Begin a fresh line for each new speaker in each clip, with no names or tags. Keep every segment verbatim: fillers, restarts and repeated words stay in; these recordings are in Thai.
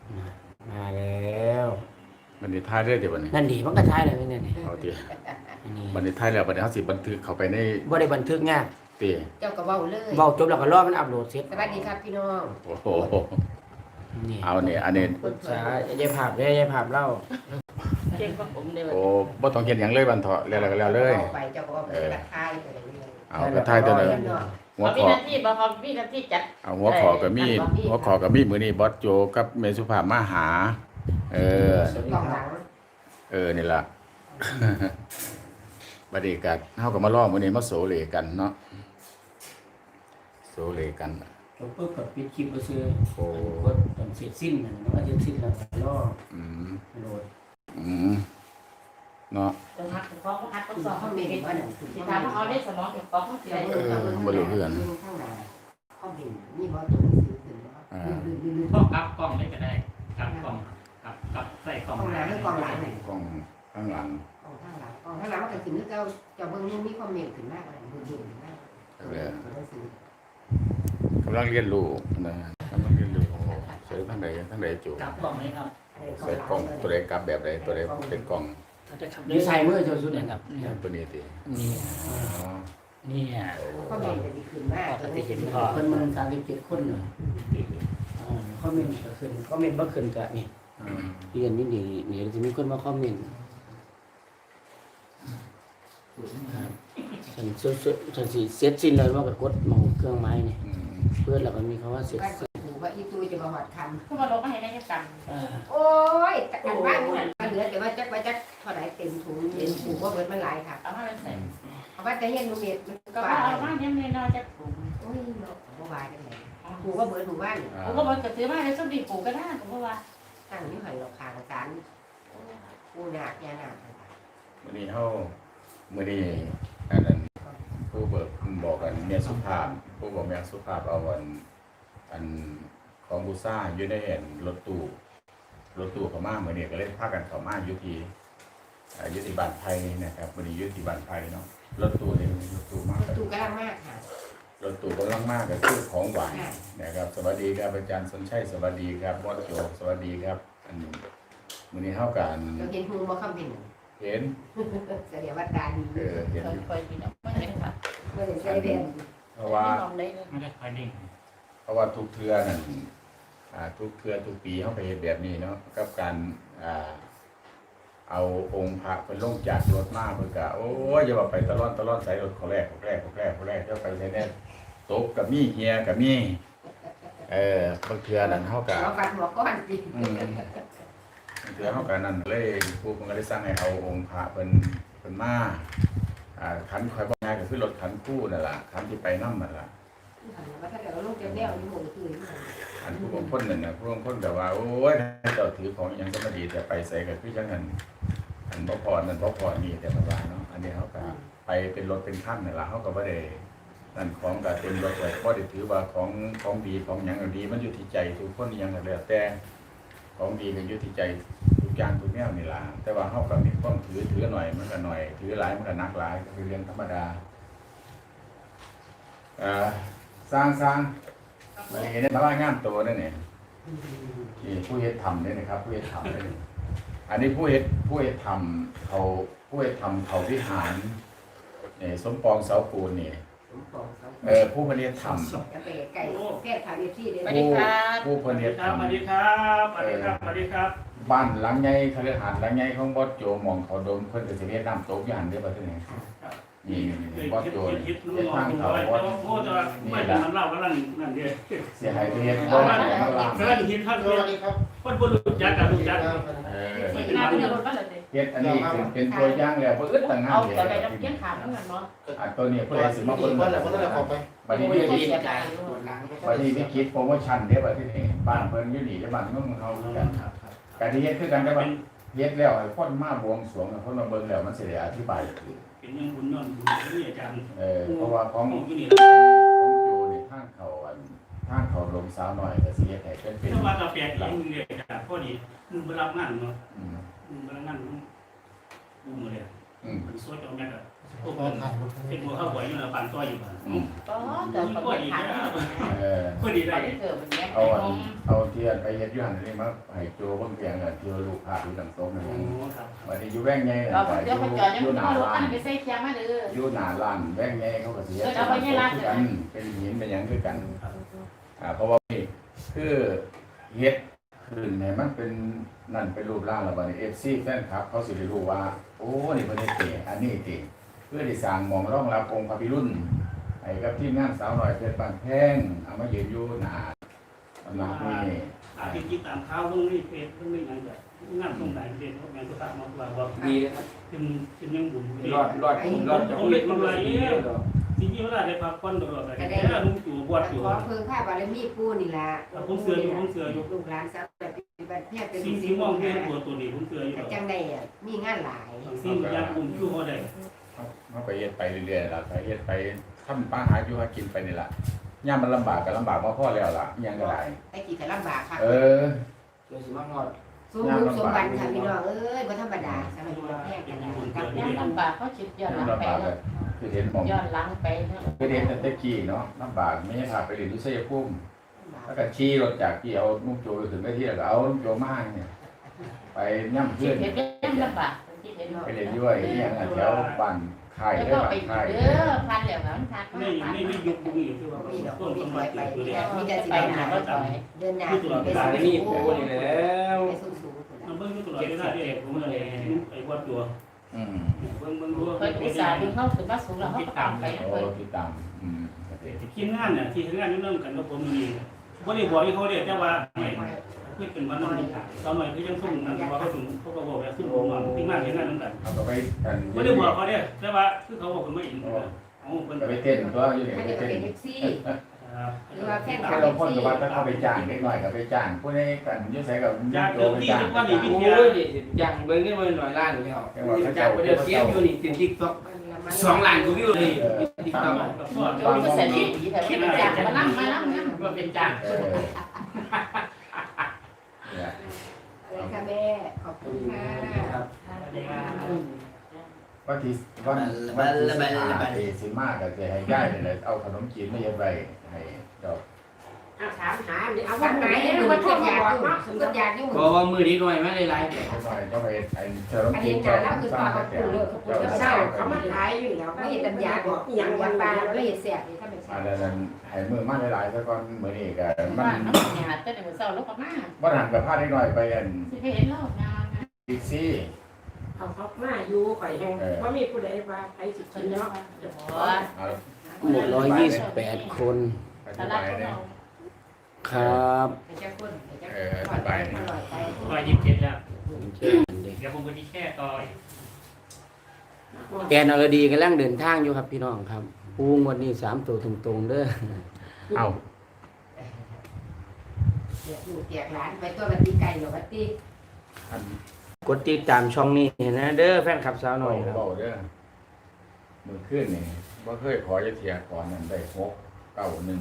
มาแล้ว
บันนี้ท้ายเรื่อยเดี๋ยวบันนี้
นั่นดีมันก็ท้ายเลยเนี่ยนี่
เอาตี
อันนี้
บันนี้ท้ายแล้วบันนี้เขาสิบันทึกเข้าไปใน
บ่ได้บันทึกงาน
ตี
เจ้าก็เว้าเลย
เว้าจบแล้วก็รอมันอัปโหลดเสร็จ
สวัสดีครับพี่น้อง
โอ้โห
นี่
เอาเนี่ยอันนี้
ปรึกษายายภาพได้ยายภาพเล่า
เก่งกว่าผมเลย
โอ้บ่ต้องเขียนหยังเลยบันเถาะแล้วก็แล้วเลย
ไปเจ้าก็เว้าไปกระทายไปเลย
เอาไปท้ายตัวนึงหัว
เขา
ข
มี
อ
หน้าที่บ่เขามีหน้าที่จัด
เอาหัวขอกับมีดหัวขอกับมีดมื้อนี้บอสโจกับเมสุภาพมาหา เออ
กองหลัง
เออนี่ล่ะ บัดนี้ก็เฮาก็มาล้อมื้อนี้มาโสเลกันเนาะโสเลกัน
จบปุ๊บก็ปิดคลิปไปซื้อ
โอ้
กดตอนเสร็จสิ้นนั่นว่าจะสิ้นแล้วก็รอ
อืม
โหลด
อืมเนาะ
จะทักถึงฟ้องก็ทักต้องสอบ
เขา
เขา
มี
มี
เห็นว่าหนัง
สิถามว่าเขาได้สมองถึงฟ้องเขาสิ
เจ้า
ได้
เบิ่งเจ้าเบิ่งข้างหน้าเขาเห็นนี่บ่ตัวซื้อขึ้นบ่
ก็กลับกล้องได้ก็ได้กลับกล้องกลับกลับใส่กล้อง
กองหน้าหรือกองหลังไหน
กล้องข้างหลัง
กองข้างหลังกองข้างหลังมันก็ขึ้นเจ้าเจ้าเบิ่งนี่มีคอมเมนต์ขึ้นมากเลยเบิ่งขึ้นมาก
กำลังเรียนรู้นะกำลังเรียนรู้โอ้ใส่ทั้งใดทั้งใดจู
กลับกล้องไหมครับ
ใส่กล้องตัวใดกลับแบบใดตัวใดเป็นกล้อง
เขาจะขับ
ดีไซน์มือเจ้าสุดเนี่ยครับ
ตัวนี้ติ
นี่
อ๋อ
นี่
คอมเมนต์จะดีขึ้นมาก
ปกติเห็นพอเพิ่นมันสามสิบเจ็ดคนเนาะอ๋อคอมเมนต์ก็ขึ้นคอมเมนต์บ่ขึ้นก็นี่
อืม
เรียนนี่นี่นี่จะมีคนมาคอมเมนต์ครับฉันสุดๆฉันสิเสร็จสิ้นแล้วว่าก็กดหมองเครื่องไม้นี่
อืม
เพื่อนแล้วก็มีคำว่าเสร็จ
ก็ถือว่าอีตู้จะมาหอดคำ
เขามาลงมาให้ได้แค่กัน
อ่า
โอ้ยอันว่างมันเหลือแต่ว่าจักว่าจักเท่าไหร่เต็มถุงเต็มถุงว่าเบิดมันหลายค่ะ
เอามาเป็นใส่
เอาว่าจะเห็นลูกเม็ดมัน
ก็
ป่า
เอามาเนี่ยไม่นอนจะปลูก
โอ้ยเนาะบ่ว่าจังได๋ถูกว่าเบิดถูกบ้าน
อ่า
ผมก็บอกกระตือมาเลยสมดีปลูกก็ได้ผมก็ว่า
ตั้งอยู่หันเราคางสารกูหนักยาหนัก
มื้อนี้เฮามื้อนี้อันนั้นผู้เบิกบอกกันเมียสุภาพผู้บอกเมียสุภาพเอาอันอันของบูซ่าอยู่ในเห็นรถตู้รถตู้เข้ามามื้อนี้ก็เลยพากันเข้ามาอยู่ที่อ่าอยู่ที่บ้านไผนะครับมื้อนี้อยู่ที่บ้านไผเนาะรถตู้นี่รถตู้มาก
ถูกกำลังมากค่ะ
รถตู้กำลังมากก็คือของหวานนะครับสวัสดีครับอาจารย์สนชัยสวัสดีครับบอสโจสวัสดีครับอันนี้มื้อนี้เฮากัน
เราเห็นหูบ่คำเป็น
เห็น
เสียวัดดาดี
เออเห็น
คอยกินไม่เห็นค่ะ
เมื่อเห็นใช้เรียน
เพราะว่า
ลองได้เลย
ไม่ได้คอยนิ่ง
เพราะว่าทุกเทือนั่นอ่าทุกเทือทุกปีเฮาไปเฮ็ดแบบนี้เนาะกับการอ่าเอาองค์พระเพิ่นลงจากรถมาเพิ่นก็โอ้ยอย่าว่าไปตะล่อนตะล่อนใส่รถเขาแรกเขาแรกเขาแรกเขาแรกเจ้าไปใส่แน่ตกกับมีเฮียกับมีเออบางเทือนั่นเฮาก็
เราฟันหัวก้อนสิ
อืมเถือเขากันนั่นเลยผู้คนก็ได้สร้างให้เอาองค์พระเป็นเป็นมาอ่าขันคอยบอกง่ายก็คือรถขันคู่นั่นแหละขันที่ไปน้ำนั่นแหละ
ว่าถ้าเกิดเราลงเจ้าแนวนี่หมดคือ
ขันผู้บางคนนั่นนะผู้บางคนแบบว่าโอ้ยเจ้าถือของอยังก็มาดีแต่ไปใส่กับพี่จังหันอันบ่พอนั่นบ่พอนี่แต่มาว่าเนาะอันนี้เขาก็ไปเป็นรถเป็นขั้นนั่นแหละเขาก็ไม่ได้นั่นของก็เต็มรถเลยเพราะได้ถือว่าของของดีของหยังก็ดีมันอยู่ที่ใจทุกคนอยังก็แล้วแต่ของดีก็อยู่ที่ใจ ทุกอย่างทุกแนวนี่ล่ะแต่ว่าเฮาก็มีความถือถือหน่อยมันก็หน่อยถือหลายมันก็หนักหลายก็คือเรื่องธรรมดาเอ่อสร้างสร้างมาเห็นได้ว่างามตัวนั่นนี่ที่ผู้เฮ็ดทำนี่นะครับผู้เฮ็ดทำนี่อันนี้ผู้เฮ็ดผู้เฮ็ดทำเขาผู้เฮ็ดทำเขาวิหารนี่สมปองเสาปูนนี่เออผู้เพิ่นเฮ็ดทำ
จะไปไก่แก้ทางเอฟซีเด้
ผู้ผู้เพิ่น
สวัส
เฮ็
ดี
ด
ครับ
ทำ
สวัสดีครับสวัสดีครับสวัสดีครับ
บ้านหลังใหญ่คฤหาสน์หลังใหญ่ของบอสโจหม่องเขาดมเพิ่นก็สิเฮ็ดน้ำตกอยู่หั่นเด้อบัดนี้นี่นี่บอสโจนี่
คิด
เฮ็ดทางเขา
แต่
บอส
ว่าโอ้จะไม่เป็นมันเล่ากันนั่นนั่นเดียว
เสียหายไปเฮ็ดบ่ได้ข้างล่าง
กำลังคิดครับคนบุรุษจักกับลูกจัก
เออ
ไม่น่าเป็นรถบ้านเลย
เฮ็ดอันนี้คือเป็นตัวอย่างแล้วบ่อึดต่างหา
เอา
กเลย
แต่ไปน้ำเกี้ยงขาดนั่นแหละเนาะ
อันตัวนี้ผู้ใดสิมาเบิ่ง
คนละคนละขอไป
บัดนี้วิคิดบัดนี้วิคิดโปรโมชั่นเด้อบัดนี้บ้านเพิ่นอยู่นี่บ้านเมืองเขาคือกันการที่เฮ็ดคือกันแต่ว่าเฮ็ดแล้วให้คนมาบวงสรวงคนมาเบิ่งแล้วมันสิได้อธิบายถูก
เป็นยังคุณนอนคุณนี่อาจารย์
เออเพราะว่าของ
มองอยู่นี่
ของอยู่ในทางเขาอันทางเขาลงสาวหน่อยก็สิเฮ็ดให้เป็นเป็น
ถ้าว่าเราแปลกเองเลยอาจารย์พอดีมึงไปรับงานเนาะ
อืม
มึงไปรับงานบูมเลย
เอืม
มันสวยจังแม่ก็พวกมันเป็นหัวข้าวหวยอยู่แล้วปั่นต้อยอยู่บ้าน
อืม
ก็เกิดคนไม่ทัน
เออ
ก็ดีได้
เกิดแบบนี้
เอาอันเอาเทียนไปเฮ็ดอยู่หั่นนี่มาให้โจเบิ่งเพียงอ่ะที่ลูกพาอยู่ดังโต๊ะนั่น
โอ้
น่ะ
ครับ
บัดนี้อยู่แว่งใหญ่
เรา
น่ะ
เดี๋ยวไปจอดยัง
อยู่หน้า
เอารถ
ร้า
ตั้
น
งไปใส่เคียงมาเด้อ
อยู่หน้าร้านแว่งใหญ่เขาก็สิเฮ็ด
เออเอาไว้ในร้าน
คือกันเป็นหินเป็นหยังคือกันอ่าเพราะว่านี่คือเฮ็ดขึ้นให้มันเป็นนั่นเป็นรูปร่างแล้วบัดนี้ เอฟ ซี แฟนคลับเขาสิได้รู้ว่าโอ้นี่เพิ่นเฮ็ดเก๋อันนี้เก๋เพื่อที่สร้างหม่องรองรับองค์พระพิรุณให้กับทีมงานสาวน้อยเพชรบ้านแพงเอามายืนอยู่หน้าสำนักนี้
อาทิตย์ที่ตามข้าวเพิ่งนี่เพจเพิ่งนี่ยังแบบงานตรงไหนเด่นพวกแม่สุภาพมาว่าว่า
ดี
ขึ้นขึ้นยังบุญ
รอดรอดรอดจะเล็ดมันเลยเนี่ย
จริงๆเวลาได้พักผ่อนตลอดเลยแต่ลุงจู่บวชอยู่
ขอเพิ่งข้าบารมีปู่นี่ล่ะ
ผมเสืออยู่ผมเสืออยู่
ลูกหลานสาวปฏิบัติเนี่ยเป็น
สิ่งที่มองเห็นตัวตัวนี้ผมเสืออยู่
จังได๋อ่ะมีงานหลาย
สิ่งอย่างกลุ่มชั่วเขาได้
เขาไปเฮ็ดไปเรื่อยๆล่ะไปเฮ็ดไปทำป้าหาอยู่หากินไปนี่ล่ะย่ามมันลำบากก็ลำบากมาพอแล้วล่ะอิหยังก็ได้
แต่กี่ก็ลำบากค่ะ
เออ
เดี๋ยวสิมาหอด
สมบุญสมบัติค่ะพี่น้องเอ้ยบ่ธรรมดาสำหรับอยู่แพร่กันนะกับ
ยังลำบากเขาจิตย้อนหลัง
ลำ
ไป
บากเลยคือเห็นหมอง
ย้อนหลังไป
คือเห็นแต่ตะกี้เนาะลำบากไม่ใช่พาไปเรียนที่ชัยภูมิแล้วก็ขี่รถจากที่เอานุ่งโจไปถึงได้ที่แล้วก็เอานุ่งโจมาเนี่ยไปย่ำ
จิ
เพื่
ต
อน
เห็นยังลำบากจิตเห็น
ไปเรียนด้วยอิหยังอะแถวบ้านค่าย
แล้ว
ได้
ก็
บ้า
ไป
นค่าย
เด้อพันแล้วมันทัก
ไม่ไม่ไม่ยุบบุ้งอยู่ที่ว่า
มีดอก
ต้น
มี
สม
ถ
บั
อย
ติ
ไป
ตัวนี้
มีแต่สิ
ไป
ได้
ห
ห
นา
นา
ก็ถอย
เดินหน้าไป
ตายนี่ปูนี่แล้ว
สูงๆ
มันเบิ่งอยู่ตลอดเวลาที่ผมเลยไอ้วัดตัว
อืม
เบิ่งเบิ่งดู
เคยอุตส่าห์ดึงเข้าถึงมาสูงแล้วเขาก็ตามไป
โอ้
เพิ่น
ที่ตามอืมโอเค
ทีมงานเนี่ยที่ทำงานนี่เริ่มกันกับผมนี่บ่ได้บอกให้เขาเรียกแต่ว่าคือเป็นวันนั้นตอนหน่อยคือยังส่งนั่นว่าเขาถึงเขาก็บอกว่าซึ่งผมว่าทีมงานเห็นงานนั้นกัน
เอาก็ไปกัน
บ่ได้บอกเขาเนี่ยแต่ว่าคือเขาบอกผมไม่เห็นเอาเพิ่น
ก็ไปเต้นตัวอยู่เนี่ย
ถ้า
ไป
จะ
เต้น
เป็นแท็กซี่
หรือว่าแค่
ถ้าเราพ่นกับว่าถ้าเขาไปจ้างเล็กน้อยก็ไปจ้างผู้ใดกันอยุ่ใส่กับ
อยาก
โจ
เดิน
ไป
ที่
จ้าง
ทุกวันนี้พี่
โอ้
เทีย
ยอย่างเบิ่งนี่มันหน่อยล้านแล้วจากไปเดือดเสียอยู่นี่ติดติ๊กต็อกสองล้านกูวิวเลยติ๊กต็อก
กับพ่อ
เดี๋ยวมันเสร็จที่แต่คิดเป็นจากมานั่งมานั่งนั่ง
ว่าเป็นจ้าง
เออเนี่ย
เลยค่ะแม่ขอบคุณค่ะ
ครับ
วันที่วันวันที่สิบห้าเอสิมาก็จะให้ย่ายเลยเอาขนมจีนมาเย็บไว้ให้ดอก
ถามหาเอาวันไหนหรือว่าเกิดอยากอยู่เกิดอยากอยู่
บอกว่ามือนี้หน่อยไม่ได้ไลฟ์
เล็กน้อยก็ไปไอ้ขนม
อัน
จี
นี้
น
หนาแล้วคือ
สร้า
ตาง เขา
แต่
ปูเลยเขาปูแล้วเศร้าเขามาขายอยู่แล้วไม่เห็นตัญญาบอกอย่างวันปลาไม่เห็นเสียนี่ถ้าเป็น
อั
เสีย
นนั้นให้มือมาหลายๆซะก่อนมื้อนี้ก็มั
บ้าน นน้ำหยาดแต่เดี๋ยวเศร้าแล้วก็มา
บ่หันกับพาเล็กน้อยไปอัน
สิเห็นแล้วงาน
บิ๊กซี่
เอาเขามาอยู่ข่อยแห้งว่ามีผู้ใดว่าใครสิกินเนาะ
เอา
หนึ่งร้อยยี่สิบแปดคน
ไป
ต
ส
ลาด
บาย
ของ
เนี่ย
เรา
ครับ
เป็นเจ้าคนเป็นเจ้า
เออสบายเนี่ย
ร้อยยี่สิบเจ็ดแล้ว
เชิญเด็ก
เดี๋ยวผมไปที่แค่ต่อ
แกนอรดีกำลังเดินทางอยู่ครับพี่น้องครับปูงวันนี้สามตัวตรงๆเด้อ
เอา
อยู่แจกร้านไปตัวบัตตีไก่หรือบัตตี
อัน
กดติดตามช่องนี้นะเด้อแฟนคลับสาวหน่อยครับ
เบาเด้อมือขึ้นนี่บ่เคยขอจะเทียก่อนนั่นได้หกเก้าหนึ่ง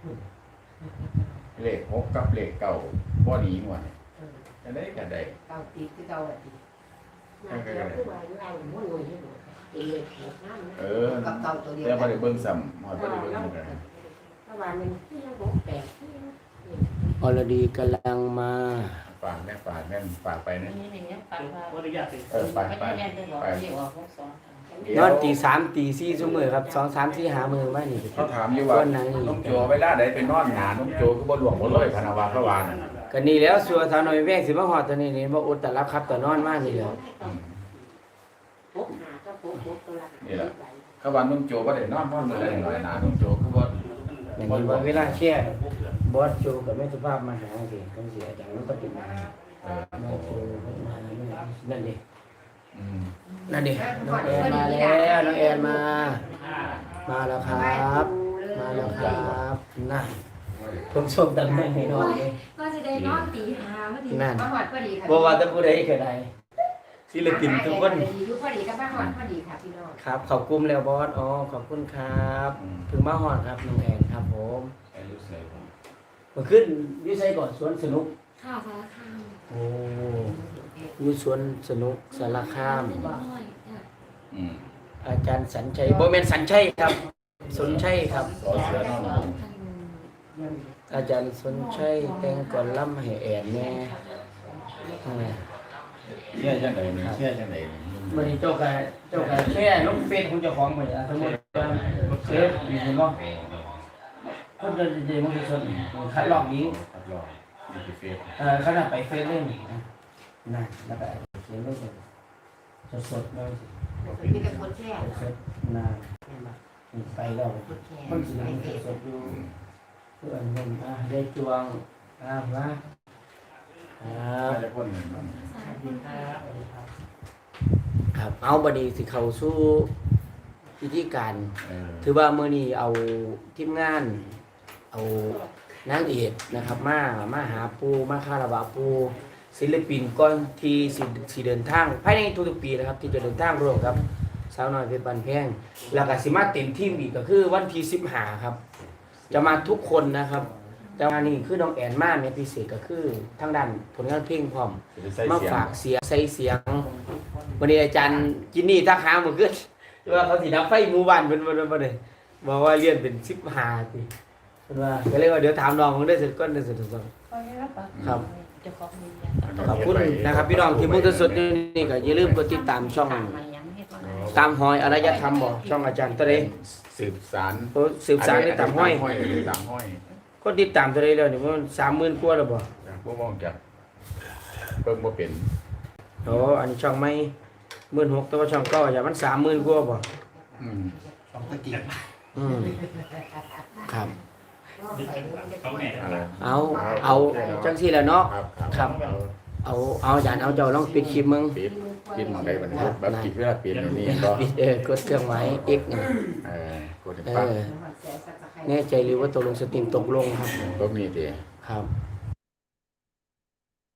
เลขหกกับเลขเก้าบ่หนีหมดจะได้ก็ได้
เก่าตีคือเก่าบัตตี
มาเดี๋ยวผู้ว่าเราบ่รวยให้หมดเองเลยน้ำ
เออ
กับเก่าตัวเดียว
แล้วบ่
กัน
ได้เบิ่งซ้ำฮอดบ่ได้เบิ่งเหมือนกัน
ถ้าว่ามันที่ยังบ่แปด
อรดีกำลังมา
ฝากแม่ฝากแม่ฝากไปนะ
นี่นี่นี่ปากว่า
ขออนุญาตสิ
เออไป
ไม่
ไป
ได้เรียนจะบอกเรียกว่าหกสอง
นอนตีสามตีสี่ชั่วโมงครับสองสามสี่หามือมานี่
เขาถามอยู่ว่าน้องโจเวลาใดไปนอนหาน้องโจคือบ่หลวงบ่เลยพนาวาพระวาน
ก็นี่แล้วสัวสาวหน่อยแว่งสิมาหอดตัวนี้นี่บ่อดแต่รับครับแต่นอนมากนี่แหล้ว
พกหาก็พกพกตัวละ
เขาว่าน้องโจบ่ได้นอนพร้อมมื้อใดหน่อยหนาน้องโจคือบ่
อย่างนี้ว่าเวลาแค่บอสโจกับแม่สุภาพมาหาสิคำเสียอาจารย์มันก็ติดมา
เออ
แม่โจมานั่นดิ
อืม
นั่นดิน้องแอนมาแล้วน้องแอนมา มาแล้วครับ มาแล้วครับน่ะผมส่งตังค์ให้นอนเลย
ก็จะได้นอนตีหาเมื่อดี
นั่น
มาหอดพอดีค่ะ
บ่ว่าแต่ผู้ใดก็ได้ศิลปินทุกคน
อยู่พอดีกับมาหอดพอดีค่ะพี่น้อง
ครับขอบคุณแล้วบอสอ๋อขอบคุณครับถึงมาหอดครับน้องแอนครับผม
อายุเท่าไหร่ผม
มาขึ้นอยุ่ไซก่อนสวนสนุก
ข้าวสารคาม
โอ้อยุ่สวนสนุกสารคาม
เป็นน้อยจ้ะ
อ
อืม
อาจารย์สัญชัยบ่แม่นสัญชัยครับสนชัยครับ
สอเสือนอนหนู
อาจารย์สนชัยแต่งก่อนล่ำให้แอนแน่อ่า
เชื่อจังไดนี่เชื่อจังไดนี่
มันเจ้ากายเจ้ากายแค่ลงเฟซของเจ้าของเหมือนสมมติว่าเฟซมีเห็นบ่คนเดินเดินมันจะสดคัดลอกยิง
ครับรอนี่คือเฟซ
เอ่อขนาดไปเฟซเล่นนะนะแล้วก็เขียนไว้สดสดๆเลย
มีแต่คนแช่
เฟซนะไปแล้ว
คนแช่
คนสีสดอยู่เพื่อนคนอ่ะได้จวงอ่ะมาครั
น่า
บ
จะคนหนึ่งเนาะ
ครับเอาบัดนี้สิเข้าสู่พิธีการ
เออ
ถือว่ามื้อนี้เอาทีมงาน เอานางเอกนะครับ มามาหาปูมาคารวะปูศิลปินก่อนที่สิสิเดินทางภายในทุกๆปีนะครับ ที่จะเดินทางร่วมครับสาวน้อยเพชรบ้านแพงแล้วก็สิมาเต็มทีมอีกก็คือวันที่สิบห้าครับ จะมาทุกคนนะครับ แต่ว่านี่คือน้องแอนมาเนี่ยพิเศษก็คือทางด้านผลงานเพลงพร้อม
จะได้ใส่
มา
เสียง
ฝากเสียงใส่เสียงวันนี้อาจารย์จินนี่ทักหาเมื่อคืนว่าเขาสิดับไฟหมู่บ้านเป็นวันวันเลยบอกว่าเรียนเป็นสิบห้าปีเพิ่นว่าก็เลยว่าเดี๋ยวถามน้องมันได้เสร็จก่อนได้เสร็จก่อน
ก็ได้รับปาก
ครับ
เจ้าของมี
ขอบคุณนะครับพี่น้องที่มุ่งสดๆนี่ก็อย่าลืมกดติดตามช่อง
มันยังให้ก่อน
ตามหอยอารยธรรมบ่ช่องอาจารย์ตะเล
สืบสาร
โอ้สืบสารในตามห้อย
ห้อยตามห้อย
ก็ติดตามตะเลแล้วนี่มันสามหมื่นกว่าแล้วบ่
จากพวกมองจากเบิ่งบ่เป็น
โอ้อันนี้ช่องไม่หมื่นหกแต่ว่าช่องเก็อย่ามันสามหมื่นกว่าบ่
อืม
อืมครับ
เขาแม่
อะไร
เอาเอาจังซี่แหล้วเนาะ
ครับ
ครับ เอาเอาอาจารย์เอาเจ้าลองปิดคลิปมึง
ปิดปิดหมองใดบัดนี้แบบปิดเวลาปิดอย่างนี้ก็
ปิดเออกดเครื่องหมาย X นี่
เออกดให้
เอ
ฟัง
อแน่ใจหรือว่าตกลงสตรีมตกลงครับ
ตรงนี้ติ
ครับ